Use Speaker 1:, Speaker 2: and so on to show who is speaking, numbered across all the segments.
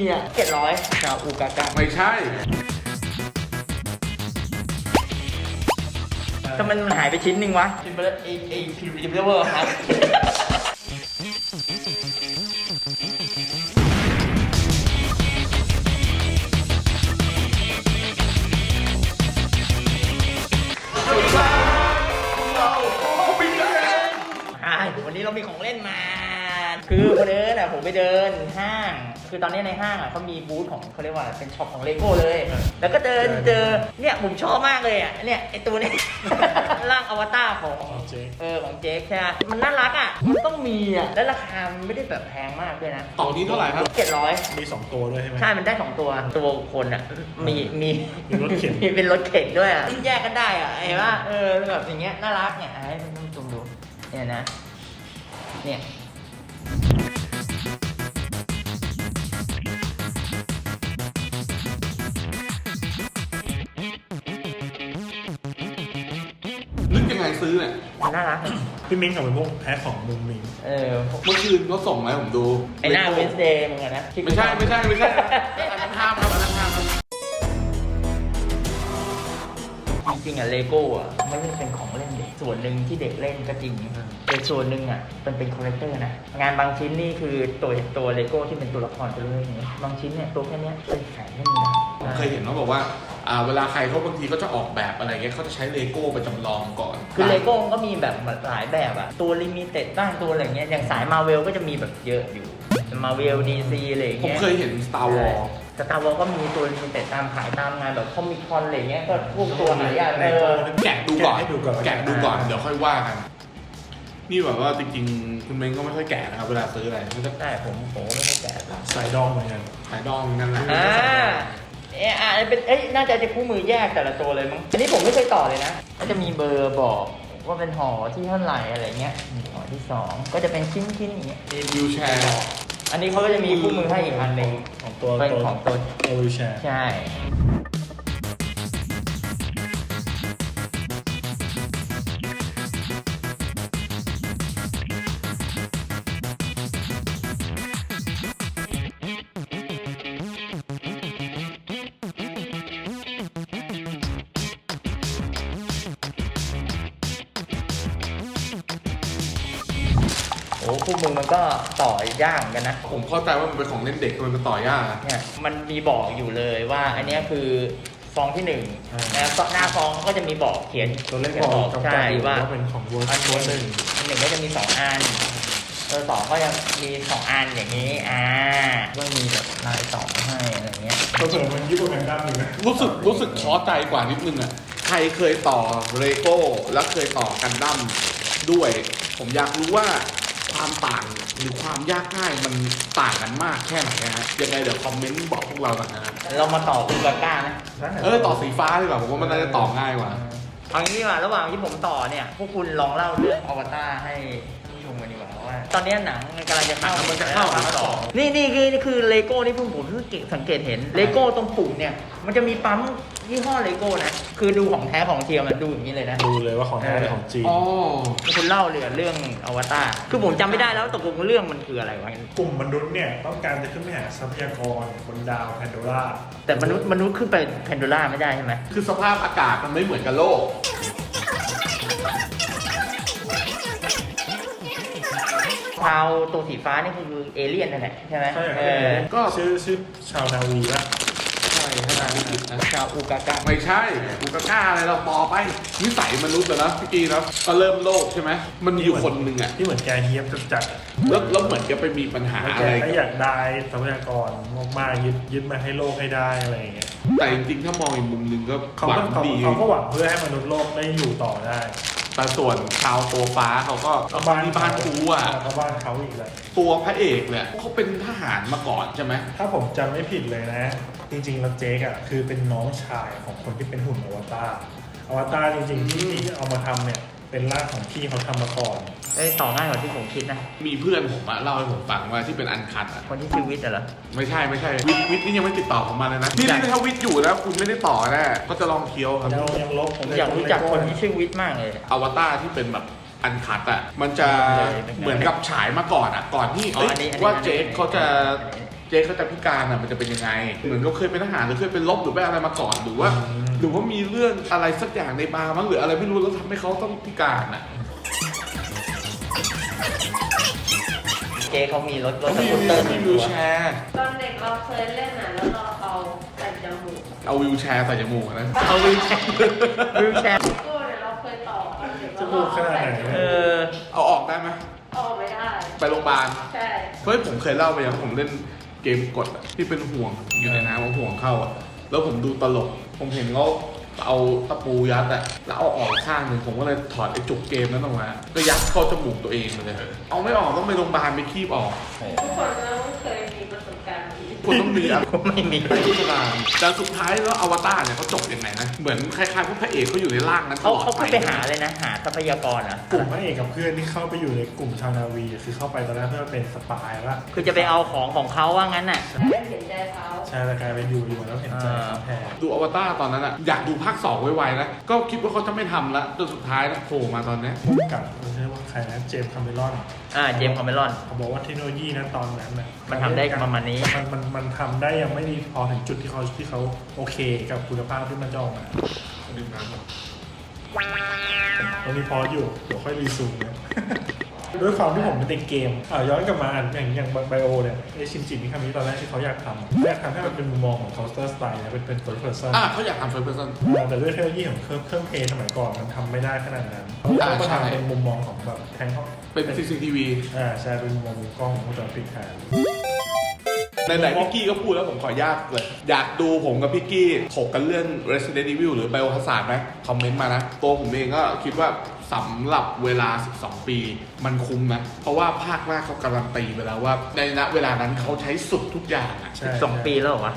Speaker 1: อ่ะ700ชาวอูกากะ
Speaker 2: ไม่ใช่
Speaker 1: ทำไมมันหายไปชิ้นหนึ่งวะพิมพ์ไปแล้วไอ้พิมพ์เวอร์ครับวันนี้เรามีของเล่นมา คือวันนี้น่ะผมไปเดินห้าง คือตอนนี้ในห้างอ่ะเขามีบูธของเขาเรียกว่าเป็นช็อปของเลโก้เลย แล้วก็เดินเจอเนี่ยผมชอบมากเลยอ่ะเนี่ยไอตัวนี้ ร่างอวตารของของเจ๊กใช่ไหมมันน่ารักอ่ะมันต้องมีอ่ะแล้วราคามันไม่ได้แบบแพงมากด้วยนะ
Speaker 2: ต่อนี้เท่าไหร่ครับ
Speaker 1: 700
Speaker 3: มี2ตัวด้วยใช่ไหม
Speaker 1: ใช่มันได้2ตัวคนอ่ะมี
Speaker 3: รถเข็น
Speaker 1: มีเป็นรถเข็นด้วยอ่ะแยกกันได้อ่ะเห็นป่ะแบบอย่างเงี้ยน่ารักเนี่ยให้ท่านผู้ชมดูเนี่ยนะเนี่ย
Speaker 2: นึกยังไงซื้อเนี่ย
Speaker 1: มันน่ารัก
Speaker 3: พี่มิ้งกับเป็นพวกแพ้ของมุมมิ้ง
Speaker 2: เมื่อคืนเขาส่งมาให้ผมดู
Speaker 1: ไอ้หน้าเวนสเดย์เหมือนกันนะ
Speaker 2: ไม่ใช่อันนั้นห้ามครับอันนั้นห้ามครับ
Speaker 1: จริงๆอ่ะเลโก้อ่ะไม่ได้เป็นของเล่นเด็กส่วนหนึ่งที่เด็กเล่นก็จริงแต่ส่วนหนึ่งอ่ะมันเป็นคอลเลกเตอร์นะงานบางชิ้นนี่คือตัวเลโก้ที่เป็นตัวละครไปเลยอย่างเงี้ยบางชิ้นเนี่ยตัวแค่เนี้ยเป็นแสนก็มีนะ
Speaker 2: ผมเคยเห็นเขาบอกว่าเวลาใครเขาบางทีเขาจะออกแบบอะไรเงี้ยเขาจะใช้เลโก้ไปจำลองก่อน
Speaker 1: คือเลโก้ก็มีแบบหลายแบบอ่ะตัวลิมิเต็ดบ้างตัวอะไรเงี้ยอย่างสายมาเวลก็จะมีแบบเยอะอยู่มาเวลดีซีอะไร
Speaker 2: ผม
Speaker 1: เงี้ย
Speaker 2: เคยเห็น Star Wars
Speaker 1: สตาร์วอลก็มีตัวลิมิเต็ดตามขายตามงานแบบคอมิคอนอะไรเงี้ยก็พวกตัวหายาก
Speaker 2: แกะดูก่อน
Speaker 3: ให้ดูก่อน
Speaker 2: แกะดูก่อนเดี๋ยวค่อยว่ากันนี่แบบว่าจริงๆคุณเม้งก็ไม่ค่อยแกะนะครับเวลาซื้ออะไรไม่ต้อง
Speaker 1: ได้ผมไม่ได้แกะ
Speaker 3: สายดองเหมือนกัน
Speaker 2: ขายดองนั่นแหละ
Speaker 1: เป็นน่าจะคู่มือแยกแต่ละตัวเลยมั้งอันนี้ผมไม่เคยต่อเลยนะก็จะมีเบอร์บอกว่าเป็นห่อที่เท่าไหร่อะไรเงี้ยห่อที่2ก็จะเป็นชิ้นอย่างเงี้ย
Speaker 2: มีวิวแชร์
Speaker 1: อันนี้เขาก็จะมีคู่มือให้อีกอันหนึ่ง
Speaker 3: ของตัว
Speaker 1: เป็นของตัว
Speaker 3: วิวแชร์
Speaker 1: ใช่โอ้คู่มือมันก็ต่อยากเหมือนกันนะ
Speaker 2: ผมเข้าใจว่ามันเป็นของเล่นเด็กมันต่อยาก
Speaker 1: เนี่ยมันมีบอกอยู่เลยว่าอันนี้คือฟองที่1นะหน้าฟองก็จะมีบอกเขียน
Speaker 3: ตัวเลขบอกกำกับ
Speaker 1: ใช่
Speaker 3: อยู่
Speaker 1: ว่า
Speaker 3: ว่าเป็นของเวอร์
Speaker 1: อัน
Speaker 3: ชัน
Speaker 1: หนึ่งก็จะมี2อัน2ก็จะมี2อันอย่างนี้ก็มีแบบลายต่อให้อะไรเงี้ย
Speaker 3: ตัวเสริมมันญี่ปุ่นกันดั้มอยู่นะ
Speaker 2: รู้สึกท้อใจกว่านิดนึงอ่ะใครเคยต่อเลโก้แล้วเคยต่อกันดั้มด้วยผมอยากรู้ว่าความต่างหรือความยากง่ายมันต่างกันมากแค่ไหนนะฮะยังไงเดี๋ยวคอมเมนต์บอกพวกเรากันนะฮะ
Speaker 1: เรามาต่ออูกาก้านะ
Speaker 2: ต่อสีฟ้าดีกว่าผมว่ามันน่าจะต่อง่ายกว่า
Speaker 1: เอางี้ดีกว่าระหว่างที่ผมต่อเนี่ยพวกคุณลองเล่าเรื่องอวตารให้ผู้ชมกันดีกว่าว่าตอนนี้หนังกำลังจะเข้า
Speaker 2: มันจะเข้า
Speaker 1: ภาค 2นี่คือเลโก้ที่ผมเพิ่งสังเกตเห็นเลโก้ตรงปุ่มเนี่ยมันจะมีปั๊มยี่ห้อเลโก้นะคือดูของแท้ของเทียมมันดูอย่างนี้เลยนะ
Speaker 3: ดูเลยว่าของแท้หรือของจีน
Speaker 2: อ๋อ
Speaker 1: คุณเล่าเลยเรื่องอวตารคือผมจำไม่ได้แล้วตกลงเรื่องมันคืออะไรวะ
Speaker 3: กลุ่มมนุษย์เนี่ยต้องการจะขึ้นไปหาทรัพยากรบนดาวแพนโดร่า
Speaker 1: แต่มนุษย์ขึ้นไปแพนโดร่าไม่ได้ใช่ไหม
Speaker 2: คือสภาพอากาศมันไม่เหมือนกับโลก
Speaker 1: ชาวตัวสีฟ้านี่คือเอเลี่ยนนั่นแหละใช่ไหม
Speaker 3: ใช่
Speaker 2: ก็
Speaker 3: ชื่อชาวนาวีป่ะ
Speaker 2: ใช่ถ้าจำไม่ผิดนะ
Speaker 1: ชาวอูกากะ
Speaker 2: ไม่ใช่กูกล้าอะไรเราปอไปนิสัยมนุษย์อะนะพี่กีนะก็เริ่มโลกใช่ไหมมันมีอยู่คนหนึ่งอะ
Speaker 3: ที่เหมือนแกเฮียบจัด
Speaker 2: แล้วเหมือนจะไปมีปัญหา
Speaker 3: แล้ว
Speaker 2: อะ
Speaker 3: แก
Speaker 2: ไร
Speaker 3: ก็อยากได้ทรัพยากรมากๆยึดมาให้โลกให้ได้อะไรอย่างเงี้ย
Speaker 2: แต่จริงๆถ้ามองอีกมุมหนึ่งก็
Speaker 3: เขา
Speaker 2: หวั
Speaker 3: ก็
Speaker 2: งดี
Speaker 3: หวังเพื่อให้มนุษย์โลกได้อยู่ต่อได้
Speaker 2: แต่ส่วนชาวตัวฟ้าเขาก็ที่บ้านกูอะ
Speaker 3: เขาบ้านเขาอีกแล้ว
Speaker 2: ตัวพระเอกเนี่ยเขาเป็นทหารมาก่อนใช่ไหม
Speaker 3: ถ้าผมจำไม่ผิดเลยนะ จริงๆแล้วเจ๊กอ่ะคือเป็นน้องชายของคนที่เป็นหุ่นอวตารจริงๆที่เอามาทำเนี่ยเป็นร่างของพี่เขาทำมาก่อน
Speaker 1: ต่อง่ายกว่าที่ผมคิดนะ
Speaker 2: มีเพื่อนผมอะเล่าให้ผมฟังว่าที่เป็นอันคัดอะ
Speaker 1: คนที่ชื่อวิทย์เหรอ
Speaker 2: ไม่ใช่วิทย์นี่ยังไม่ติดต่อผมมาเลยนะนี่ถ้าวิทย์อยู่แล้วคุณไม่ได้ต่อแน่เขาจะลองเคี้ยวครับ
Speaker 3: ยังลบ
Speaker 1: ผมอยากรู้จักคนที่ชื่อวิทย์มากเลย
Speaker 2: อวตารที่เป็นแบบอันคัดอ่ะมันจะเหมือนกับฉายมาก่อนอ่ะก่อนที่ว่าเจคเขาจะจ๊เขาจะพิการอ่ะมันจะเป็นยังไงเหมือนเขาเคยเป็นทหารหรือเคยเป็นรบหรือไปอะไรมาก่อนหรือว่ามีเรื่องอะไรสักอย่างในบาร์มั้งหรืออะไรไม่รู้แล้วทำให้เขาต้องพิการอ่ะ
Speaker 1: เจ๊เขามีรถ
Speaker 2: เขา
Speaker 1: สกูตเตอร์
Speaker 2: มีวิวแชร์
Speaker 4: ตอนเด็กเราเคยเล่นอ่ะแล้วเราเอาใส่จมูก
Speaker 2: เอาวิวแชร์ใส่จมูกนะ
Speaker 1: เอาวิวแชร์วิวแชร์
Speaker 4: ก็เนี่ยเราเคยต่อตอนเด็ก
Speaker 3: จมูกขนาดไหน
Speaker 1: เออ
Speaker 2: เอาออกได้ไหม
Speaker 4: ออกไม่ได้
Speaker 2: ไปโรงพยาบาล
Speaker 4: ใช่
Speaker 2: เฮ้ยผมเคยเล่าไปยังผมเล่นเกมกดอะที่เป็นห่วงอยู่ในน้ำเอาห่วงเข้าอะแล้วผมดูตลก ผมเห็นเขาเอาตะปูยัดอะแล้วเอาออกข้างหนึ่งผมก็เลยถอดไอ้จุกเกมนั้นออกมาก็ยัดเข้าจมูกตัวเองเลยเอาไม่ออกต้องไปโรงพยาบาลไปคีบออก
Speaker 4: ทุกคนต้องเคยมีประสบการณ์นี้
Speaker 2: คุณต้องมีอะไร
Speaker 1: ผมไม่มี
Speaker 2: พิจารณาแต่สุดท้ายแล้วอวตารเนี่ยเขาจบยังไงนะเหมือนคล้ายๆพวกพระเอกเขาอยู่ในร่างนั้นต
Speaker 1: เขา
Speaker 2: ลอด
Speaker 1: เขาไปหาเลยนะ หาทรัพยากรอ่ะ
Speaker 3: กลุ่มพระเอกกับเพื่อนที่เข้าไปอยู่ในกลุ่มชาวนาวีคือเข้าไปตอนแรกเพื่อเป็นสปายว่า
Speaker 1: คือจะไปเอาของเขาว่างั้นน่ะ
Speaker 4: ไม่เห็นใจเขา
Speaker 3: ใช่แต่กลายเป็นอยู่แล้วเห็นใจเขาแทน
Speaker 2: ดูอวตารตอนนั้นอะอยากดูภาค2ไวๆนะก็คิดว่าเขาจะไม่ทำละจนสุดท้ายนะโผล่มาตอนเนี้ย
Speaker 3: กับเรียกว่าใครนะเจมส์คาเมรอน
Speaker 1: เจมส์คาเมรอน
Speaker 3: เขาบอกว่าเทคโนโลยีนะตอนนั้นน่ะ
Speaker 1: มันทำได้ประมาณนี้
Speaker 3: มันทำได้ยังไม่ดีพอถึงจุดที่เขาโอเคกับคุณภาพที่มันจะออกมา
Speaker 2: ดื่มน้ำก่อน
Speaker 3: ตรงนี้พออยู่เดี๋ยวค่อยรีซูมนะ ด้วยความที่ผมเป็นเด็กเกมย้อนกลับมาอย่างไบโอเนี่ยไอชินจิมิคามิตอนแรกที่เขาอยากทำให้มันเป็นมุมมองของ Counter Strike นะเป็น first person
Speaker 2: เขาอยากทำเฟิร์สเพรสเซน
Speaker 3: แต่ด้วยเทคโนโลยีของเครื่องเพลย์สมัยก่อนมันทำไม่ได้ขนาดนั้นเขาก็
Speaker 2: ใช่
Speaker 3: ทำเป็นมุมมองของแบบแทงเขา
Speaker 2: เป็น CCTV
Speaker 3: ใช่เป็นมุมมองมุมกล้องของวงจรปิดแทน
Speaker 2: ไหนๆพี่กี้ก็พูดแล้วผมขออนุญาตเลย อยากดูผมกับพี่กี้ถกกันเรื่อง Resident Evil หรือ Biohazard ไหมคอมเมนต์มานะ ตัวผมเองก็คิดว่าสำหรับเวลา 12 ปีมันคุ้มนะ เพราะว่าภาคแรกเขาการันตีไปแล้วว่า ในณเวลานั้นเขาใช้สุดทุกอย่างอะ
Speaker 3: ใช่
Speaker 1: 2 ปีแล้วเหรอวะ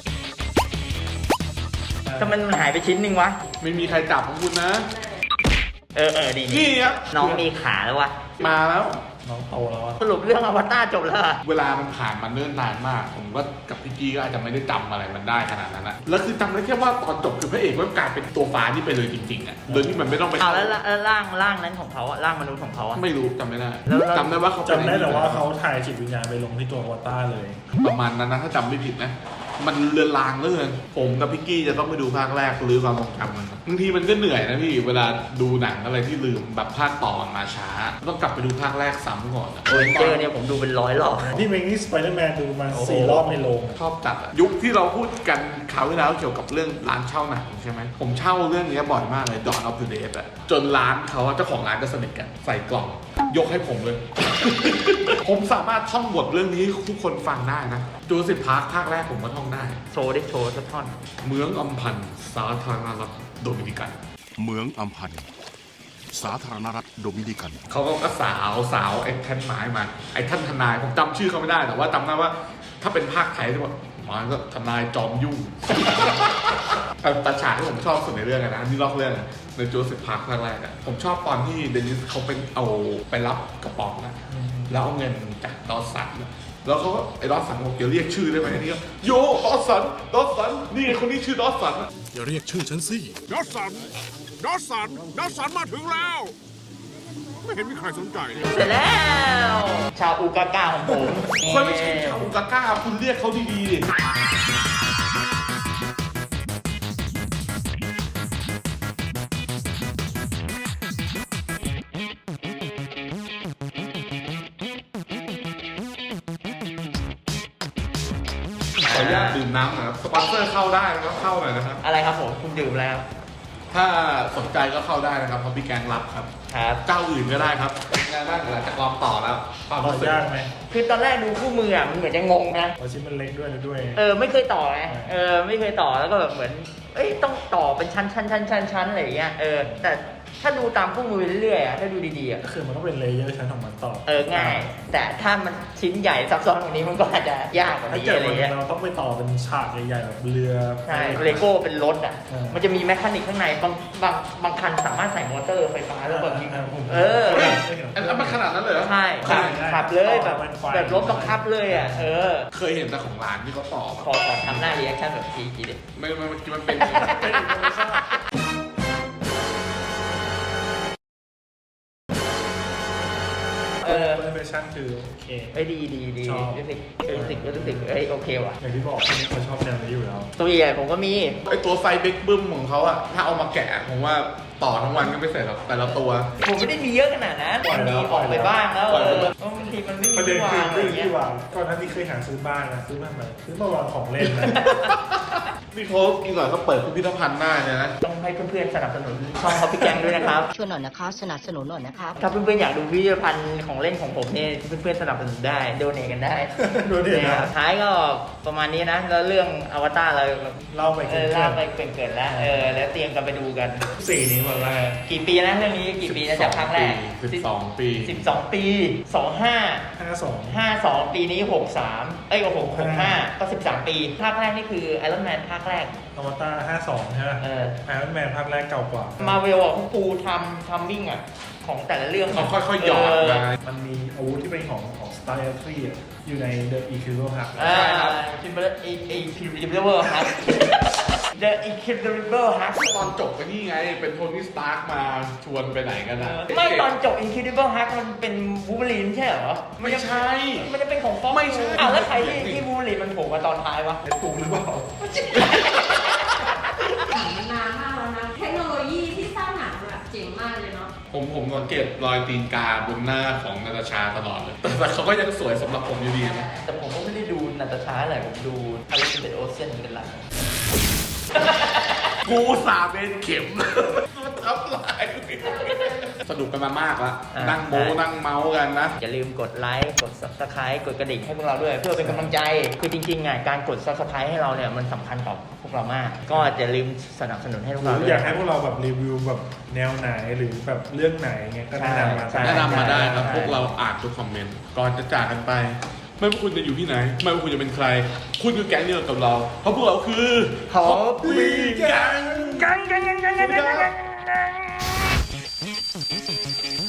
Speaker 1: ทำไมมันหายไปชิ้นหนึ่งวะ
Speaker 2: ไม่มีใครจับของคุณนะ
Speaker 1: ดี
Speaker 2: นี่ครับ
Speaker 1: น้องมีขาแล้ววะ
Speaker 2: มาแล้ว
Speaker 3: น้องโตแล้วอะ
Speaker 1: สรุปเรื่องอวตารจบแล้วอะ
Speaker 2: เวลามันผ่านมาเนิ่นนานมาก ผมก็กับพี่กี้ก็อาจจะไม่ได้จำอะไรมันได้ขนาดนั้นนะแล้วคือจำได้แค่ว่าตอนจบคือพระเอกมันกลายเป็นตัวฟ้านี่ไปเลยจริงๆอ่ะโดยที่มันไม่ต้องไป
Speaker 1: เอาแล้วร่างนั้นของเขาอะร่างมนุษย์ของเขาอะ
Speaker 2: ไม่รู้จำไม่ได้
Speaker 1: แล้ว
Speaker 2: จำได้ว่าเขาเป็น
Speaker 3: จำได้แต่ว่าเขาถ่ายจิตวิญญาณไปลงที่ตัวอวตารเลย
Speaker 2: ประมาณนั้นนะถ้าจำไม่ผิดนะมันเลือนลางเหลยผมกับพี่กี้จะต้องไปดูภาคแรกหรือความทรงจำมันบางทีมันก็เหนื่อยนะพี่เวลาดูหนังอะไรที่ลืมแบบภาคต่อมันมาช้าต้องกลับไปดูภาคแรกซ้ำก่อนอะ
Speaker 1: โอเวนเจอร์เนี่ยผมดูเป็น100 รอบ
Speaker 3: นี่เมงนี่สไปเดอร์แมนดูมา
Speaker 1: โอ้โห
Speaker 3: 4 รอบในโรง
Speaker 2: ชอบจัดอะยุคที่เราพูดกันคราวที่แล้วเกี่ยวกับเรื่องร้านเช่าหนังใช่ไหมผมเช่าเรื่องนี้บ่อยมากเลย Dawn of the Dead อะจนร้านเขาเจ้าของร้านก็สนิทกันใส่กล่องยกให้ผมเลย ผมสามารถท่องบทเรื่องนี้ให้ทุกคนฟังได้นะจูราสสิคพาร์คภาคแรกผมก็ท่องได้
Speaker 1: โชว์สักท่อน
Speaker 2: เมืองอัมพันธ์สาธารณรัฐโดมินิกัน
Speaker 5: เมืองอัมพันธ์สาธารณรัฐโดมินิกัน
Speaker 2: เขาก็สาวไอ้แท่นไม้มาไอ้ท่านทนายผมจำชื่อเขาไม่ได้แต่ว่าจำได้ว่าถ้าเป็นภาคไทยที่ว่ามันก็ทนายจอมยุ่ง แต่ฉากที่ผมชอบสุดในเรื่องอะนะนี่ลอกเรื่องอะในจูราสสิคพาร์คภาคแรกอะผมชอบตอนที่เดนิสเขาเป็นเอาไปรับกระป๋องนะแล้วเอาเงินจากดอสสันอะแล้วเขาก็ไอ้ดอสสันบอกเดี๋ยวเรียกชื่อได้ไหมนี่ก็โยดอสสันนี่ไงคนนี้ชื่อดอสสันอะ
Speaker 5: อย่าเรียกชื่อฉันสิ
Speaker 6: ดอสสันมาถึงแล้ว ไม่เห็นมีใครสนใจเลย
Speaker 1: เสร็จแล้ว ชาวอูกาก้าของผม
Speaker 2: คนไม่ใช่ชาวอุกาก้าคุณเรียกเขาดีๆดิ ขออนุญาตดื่มน้ำหน่อยครับสปอนเซอร์เข้าได้นะครับเข้าหน่อยนะครับ
Speaker 1: อะไรครับผมคุณดื่มแล้ว
Speaker 2: ถ้าสนใจก็เข้าได้นะครับเพราะพี่แกงรับครับ
Speaker 1: ครับ
Speaker 2: เจ้าอื่นก็ได้ครับเป็นไงบ้างหลังจากลองต่อแล้วความ
Speaker 3: ต่อ
Speaker 2: รู้สึก
Speaker 3: ยากไหม
Speaker 1: คือตอนแรกดูคู่มืออะมันเหมือนจะงงนะ
Speaker 3: เพราะชิ้นมันเล็กด้วย
Speaker 1: ไม่เคยต่อไงไม่เคยต่อแล้วก็แบบเหมือนต้องต่อเป็นชั้นอะไรอย่างเงี้ยแต่ถ้าดูตามคู่มือเรื่อยๆอะถ้าดูดีๆอะ
Speaker 3: ก็คือมันก็เป็นเลเยอร์ชั้นของมันต่อ
Speaker 1: ง่าย แต่ถ้ามันชิ้นใหญ่ซับซ้อนกว่านี้มันก็อาจจะยากกว่า
Speaker 3: ถ้า
Speaker 1: นี้
Speaker 3: เกิด
Speaker 1: อะไร
Speaker 3: วัน
Speaker 1: เงี้ย
Speaker 3: เราต้องไปต่อเป็นฉากใหญ่ๆแบบเรือ
Speaker 1: ใช่เลโก้เป็นรถอ่ะ
Speaker 3: เออ
Speaker 1: มันจะมีแมคานิกข้างในบางคันสามารถใส่มอเตอร์ไฟฟ้าแล้วแบบยิง
Speaker 3: ผม
Speaker 2: อันนั้นมันขนาดนั้นเลยเหรอ
Speaker 1: ใช่ขับเลยแบบรถบังคับเลยอ่ะ
Speaker 2: เคยเห็นแต่ของร้านที่เขาต่อมา
Speaker 1: ขอทำหน้ารีแอคชั่นแบบทีดิ
Speaker 2: ไม่มันเป็น
Speaker 3: มันเป็นชั่นคือโอเค
Speaker 1: เอ้ยดี
Speaker 3: ชอบ
Speaker 1: รู้สึกเอ้ยโอเคว่ะ
Speaker 3: อย่างที่บอกคนนี้เขาชอบแนวนี้อยู่แล้ว
Speaker 1: ตัวใหญ่ผมก็มี
Speaker 2: ไอตัวไฟเบกบึ้มของเขาอะถ้าเอามาแกะผมว่าต่อทั้งวันก็ไม่เสร็จหรอกแต่ละตัว
Speaker 1: ผมไม่ได้มีเยอะขนาดนั้น
Speaker 3: ปล่อยแล้ว
Speaker 1: มีออกไปบ้างแล้ว
Speaker 2: ปล่อยแล้ว
Speaker 1: เพราะบางทีมันไม่มี
Speaker 3: ประเด็น
Speaker 1: ที่
Speaker 3: คือ
Speaker 1: วางอะไร
Speaker 3: เรื่อง
Speaker 1: เงี้ย
Speaker 3: ที่วางก่อนหน้านี้เคยหาซื้อบ้านนะซื้อบ้านมาซื้อมาวางของเล่นนะ
Speaker 2: นี่เขากินก่อนเขาเปิดพิพิธภัณฑ์หน้าเลยนะ
Speaker 1: ต้องให้เพื่อนๆสนับสนุนช่องเขาพี่แกงด้วยนะครับ
Speaker 7: ช่วยหน่อยนะคะสนับสนุนหน่อยนะครับ
Speaker 1: ถ้าเพื่อนๆอยากดูพิพิธภัณฑ์ของเล่นของผมเนี่ยเพื่อนๆสนับสนุนได้โดเนทกันได้
Speaker 3: โดนเด็ด
Speaker 1: นะ
Speaker 3: นะ
Speaker 1: ท้ายก็ประมาณนี้นะ แล้วเรื่องอวตารเรา
Speaker 3: เล่าไปเกิน
Speaker 1: เล่าไปเกินๆแล้วแล้วเตรียมกันไปดูกัน
Speaker 3: สี่นี้หมดแล้ว
Speaker 1: กี่ปีนะเรื่องนี้กี่ปีนะจากภาคแรก
Speaker 2: 12 ปี
Speaker 1: 12 ปี 25
Speaker 3: 52
Speaker 1: ปีนี้ 63 65 ก็ 13 ปี ภาคแรกนี่คือไอรอนแมนภาคแรก
Speaker 3: อวตาร52ใช่ไหม ไอรอนแมนภาคแรกเก่ากว่า
Speaker 1: มาเวลอ่ะเขาปูทัมมิ่งอ่ะ ของแต่ละเรื่อง
Speaker 2: เขาค่อยๆหยอดมา
Speaker 3: มันมีอาวุธที่เป็นของ Star Trek อยู่ใน The Incredible Hulk
Speaker 1: ใช่ครับคิมเบอร์Incredible Hulk The Incredible Hulk
Speaker 2: ตอนจบไปนี่ไง เป็นโทนี่สตาร์กมาชวนไปไหนกันนะ
Speaker 1: ไม่ตอนจบ Incredible Hulk มันเป็นวูล์ฟเวอรีนใช่เหรอ
Speaker 2: ไม่ใช่
Speaker 1: มันจะเป็นของฟ็อก
Speaker 2: ไม่ใช่
Speaker 1: อ้าวแล้วใครที่วูล์ฟเวอรีนมันโผล่มาตอนท้ายวะ
Speaker 3: ไอ้ปุ๊กหรือเปล่า
Speaker 4: หนังมันนานมากแล้วนะ เทคโนโลยีที่สร้างหนังแบบเจ๋งมากเลยเนาะ
Speaker 2: ผมสังเกตรอยตีนกาบนหน้าของนาตาชาตลอดเลย แต่เขาก็ยังสวยสำหรับผมอยู่ดีนะ
Speaker 1: แต่ผมก็ไม่ได้ดูนาตาชาอะไรผมดู Alexander Olsen เป็นหลัก
Speaker 2: กูสาเป็นเข็มทับลายสนุกกันมามากละนั่งโม้นั่งเมาส์กันนะ
Speaker 1: อย่าลืมกดไลค์ กด Subscribe กดกระดิ่งให้พวกเราด้วย เพื่อเป็นกำลังใจ คือจริงๆการกด Subscribe ให้เราเนี่ยมันสำคัญต่อพวกเรามาก ก็อย่าลืมสนับสนุนให้พวก
Speaker 3: ห
Speaker 1: เรา
Speaker 3: รือ
Speaker 1: ด้วย
Speaker 3: อยากให้พวกเราแบบรีวิวแบบแนวไหนหรือแบบเรื่องไหนเงี้ยก็แนะนำมา
Speaker 1: ใช่
Speaker 2: แนะนำมาได้ครับ
Speaker 1: ใช่
Speaker 2: พวกเราอ่านทุกคอมเมนต์ ก่อนจะจากกันไป ไม่ว่าคุณจะอยู่ที่ไหน ไม่ว่าคุณจะเป็นใคร คุณคือแก๊งเดียวกับเรา เพราะพวกเราคือ
Speaker 1: Hobby
Speaker 2: แก๊ง
Speaker 1: กัน